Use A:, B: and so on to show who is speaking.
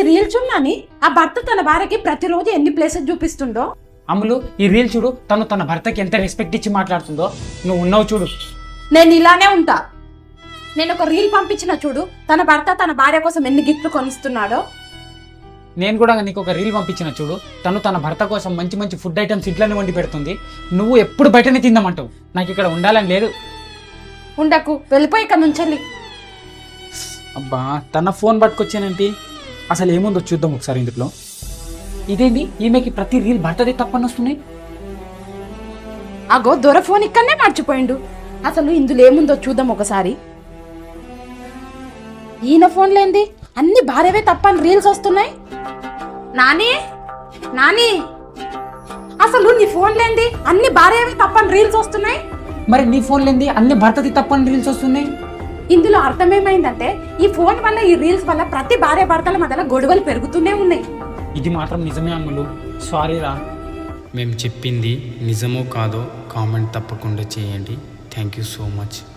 A: Reel చూడని ఆ భర్త తన భార్యకి ప్రతిరోజు ఎన్ని ప్లేసెస్ చూపిస్తుండో.
B: అమ్ములు ఈ రీల్ చూడు, తన భర్తకి ఎంత రెస్పెక్ట్ ఇచ్చి మాట్లాడుతుందో. నువ్వు ఉన్నావు చూడు.
A: నేను ఇలానే ఉంటా. నేను ఒక రీల్ పంపించిన చూడు, తన భర్త తన భార్య కోసం ఎన్ని గిఫ్ట్లు కొనిస్తున్నాడో.
B: నేను కూడా నీకు ఒక రీల్ పంపించిన చూడు, తన భర్త కోసం మంచి మంచి ఫుడ్ ఐటమ్స్ ఇంట్లోనే వండి పెడుతుంది. నువ్వు ఎప్పుడు బయటనే తిందామంటావు. నాకు ఇక్కడ ఉండాలని లేదు.
A: ఉండకు, వెళ్ళిపోయి ఇక్కడ నుంచెళ్ళి.
B: అబ్బా, తన ఫోన్ పట్టుకొచ్చానంటే అసలు ఏముందో చూద్దాం ఒకసారి ఇందులో. ఇదేంది, ఈమెకి ప్రతి రీల్ భర్తదే తప్పని వస్తున్నాయి.
A: అగో దొర ఫోన్ ఇక్కడనే మర్చిపోయిండు. అసలు ఇందులో ఏముందో చూద్దాం ఒకసారి. ఈయన ఫోన్ లేంది అన్ని భార్యవే తప్పని రీల్స్ వస్తున్నాయి. నాని నాని, అసలు నీ ఫోన్ లేంది అన్ని భార్యవే తప్పని రీల్స్ వస్తున్నాయి.
B: మరి నీ ఫోన్ లేంది అన్ని భర్తది తప్పని రీల్స్ వస్తున్నాయి.
A: ఇందులో అర్థమేమైందంటే ఈ ఫోన్ వల్ల, ఈ రీల్స్ వల్ల ప్రతి భార్య భర్తల మధ్యలో గొడవలు పెరుగుతూనే ఉన్నాయి.
B: ఇది మాత్రం నిజమే అమ్ములు, సారీరా.
C: మేము చెప్పింది నిజమో కాదో కామెంట్ తప్పకుండా చేయండి. Thank you so much.